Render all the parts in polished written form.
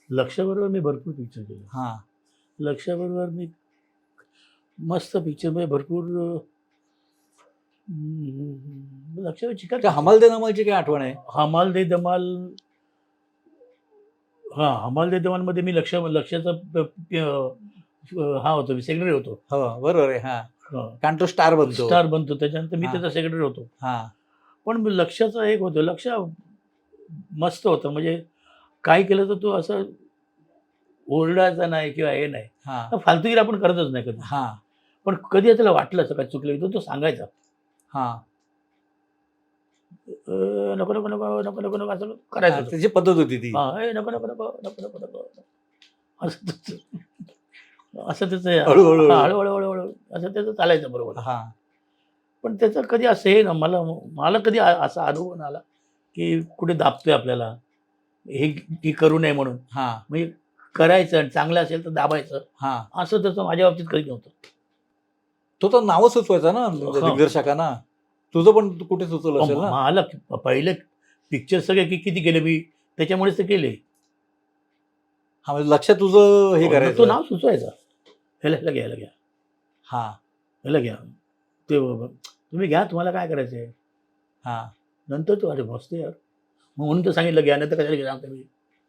लक्षाबरोबर मी भरपूर पिक्चर केले. हां. लक्षाबरोबर मी मस्त पिक्चर म्हणजे भरपूर लक्षावर चिकार त्या हमाल दे नमालची काय आठवण आहे? हमाल दे धमाल. हां, हमाल दे धमालमध्ये मी लक्षाचा हा होतो, सेक्रेटरी होतो. हो, बरोबर आहे. हां. हां, कारण तो स्टार बनतो. स्टार बनतो. त्याच्यानंतर मी हां. त्याचा सेक्रेटरी होतो. हां. पण लक्षाचं एक होतं, लक्ष मस्त होतं. म्हणजे काय केलं तर तो असं ओरडायचा नाही किंवा हे नाही. हां. फालतूगिरी आपण करतच नाही कधी. हां. पण कधी त्याला वाटलं असं काय चुकलं तर तो सांगायचा. हां. नको, नको, नको, नको, नको, नको असं हां, करायचं. त्याची पद्धत होती ती. हां, ए नको, नको, नको, नको, नको, नको. असं त्याचं हळू-हळू. हळूहळू हळूहळू असं त्याचं चालायचं बरोबर. हां. पण त्याचं कधी असं हे ना मला कधी असा अनुभव नाही आला की कुठे दाबतोय आपल्याला हे करू नये म्हणून. हां. म्हणजे करायचं आणि चांगलं असेल तर दाबायचं, हां. असं त्याचं माझ्या बाबतीत कधी नव्हतं. तो तर नावं सुचवायचा ना दिग्दर्शकांना. तुझं पण कुठे सुचवलं असेल ना? मला पहिले पिक्चर सगळे किती केले मी, त्याच्यामुळेच ते केले. हां, म्हणजे लक्षात तुझं हे तो करायचं. नाव सुचवायचा, ह्याला घ्या, ह्याला घ्या, हां. ह्याला घ्या, ते तुम्ही घ्या, तुम्हाला काय करायचंय. हां. नंतर तो अरे मस्त यार, मग म्हणून तर सांगितलं घ्या, नंतर कशाला घ्या मी.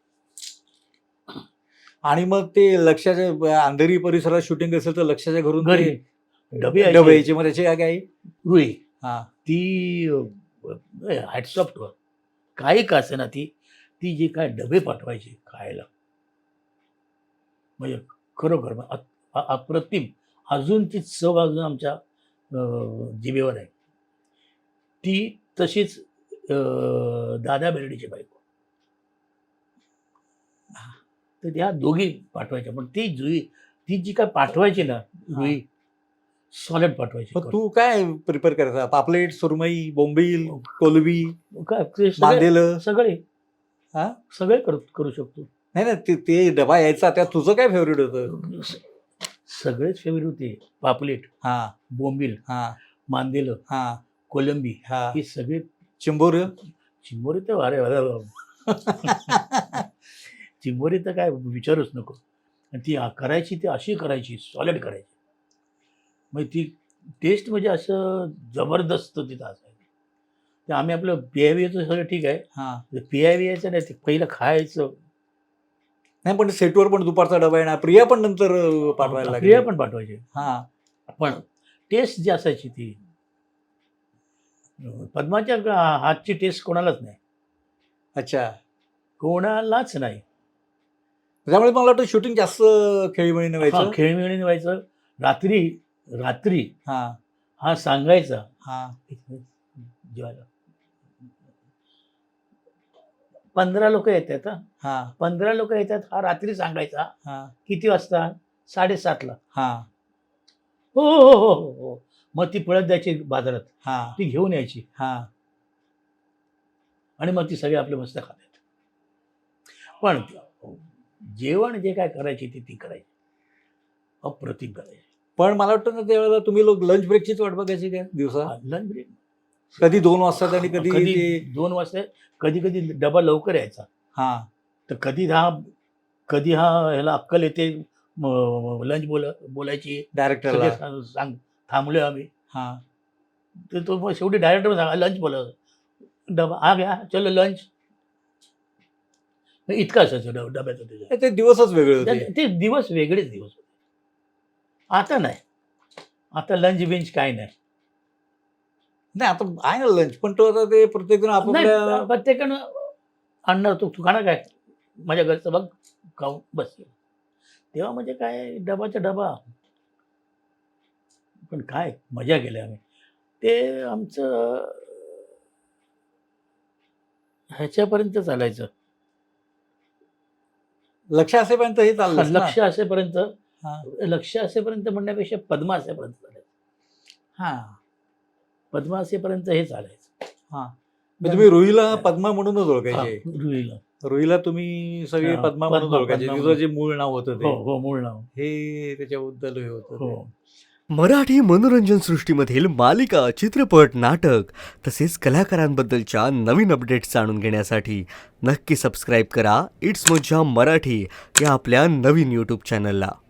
आणि मग ते लक्षाच्या अंधेरी परिसरात शूटिंग असेल तर लक्षाच्या घरून घरी ते डबे डबे यायचे. मग त्याची काय रुई हां. ती हॅटसॉफ्ट वर काही का असे ना ती जी काय डबे पाठवायची खायला, म्हणजे खरोखर अप्रतिम. अजून ती चव अजून आमच्या जिभेवर आहे. ती तशीच दादा बेर्डेची बायको. तर त्या दोघी पाठवायच्या. पण ती जी काय पाठवायची ना रुई, सॉलिड पाठवायची. मग तू काय प्रिपेअर करायचा? पापलेट, सुरमई, बोंबील, कोलबी, काय ते मांदेलं? सगळे हां? सगळे करू शकतो. नाही ना, ते डबा यायचा त्यात तुझं काय फेवरेट होतं? सगळेच फेवरेट होते. पापलेट, हां. बोंबील, हां. मांदेलं, हां. कोलंबी, हां. हे सगळे. चिंबोर. चिंबोरी तर अरे चिंबोरी तर काय विचारूच नको. आणि ती करायची, ती अशी करायची, सॉलिड करायची. मग ती टेस्ट म्हणजे असं जबरदस्त तिथं असायचं. ते आम्ही आपलं पियायचं सगळं ठीक आहे. हां. पियायचं नाही, ते पहिलं खायचं. नाही, पण सेटवर पण दुपारचा डबा येणार. प्रिया पण नंतर पाठवायला लागली. प्रिया पण पाठवायची. हां. पण टेस्ट जी असायची ती पद्माच्या हातची टेस्ट कोणालाच नाही. अच्छा. कोणालाच नाही. त्यामुळे मला वाटतं शूटिंग जास्त खेळीमेळीने व्हायचं. खेळीमेळीने व्हायचं. रात्री हां. हा सांगायचा हां. जेवायला 15 लोक येतात. हां. 15 लोक येतात. हा रात्री सांगायचा. हां. किती वाजता? 7:30ला. हां. हो हो हो हो हो. मग ती पळत द्यायची बाजारात. हां. ती घेऊन यायची हां. आणि मग ती सगळे आपले मस्त खातात. पण जेवण जे काय करायची ती करायची, अप्रतिम करायची. पण मला वाटतं ना त्यावेळेला तुम्ही लोक लंच ब्रेकचीच वाट बघायची काय दिवसा? लंच ब्रेक कधी 2 वाजता आणि कधी कधी ते 2 वाजता, कधी डबा लवकर यायचा. हां. तर कधी हा ह्याला अक्कल येते, लंच बोलायची डायरेक्टरला. सांग थांबलोय आम्ही. हां. तर तो मग शेवटी डायरेक्टर सांगा लंच बोलायचं. डबा आ गया, चलो लंच. इतकं असायचं डब्याचं त्याच्या. ते दिवसच वेगळे होते. ते दिवस वेगळेच दिवस होते. आता नाही. आता लंच बिंच काय नाही. नाही, आता आहे ना लंच, पण तो आता ते प्रत्येक जण आपापल्या नाही, प्रत्येकानं आणणार. तू खाणार काय? माझ्या घरचं बघ खाऊ बस. तेव्हा म्हणजे काय डबाचा डबा. पण काय मजा केली आम्ही. ते आमचं ह्याच्यापर्यंत चालायचं. लक्ष असेपर्यंत हे चाललं लक्ष असेपर्यंत. हां. लक्ष असेपर्यंत म्हणण्यापेक्षा पद्मा असेपर्यंत चालायचं. हां. पद्मा असेपर्यंत हे चालायचं. हां. तुम्ही रुईला पद्मा म्हणूनच ओळखायचे. रुईला. रुईला तुम्ही सगळे हां, पद्मा म्हणून पद्मा ओळखायचे. म्हणून. तुझं जे मूळ नाव होतं हो ते हो, मूळ नाव. हे त्याच्याबद्दल हे होतं ते. हो. मराठी मनोरंजन सृष्टीमधील मालिका, चित्रपट, नाटक तसेच कलाकारांबद्दलच्या नवीन अपडेट्स जाणून घेण्यासाठी नक्की सबस्क्राईब करा इट्स मज्जा मराठी या आपल्या नवीन यूट्यूब चॅनलला.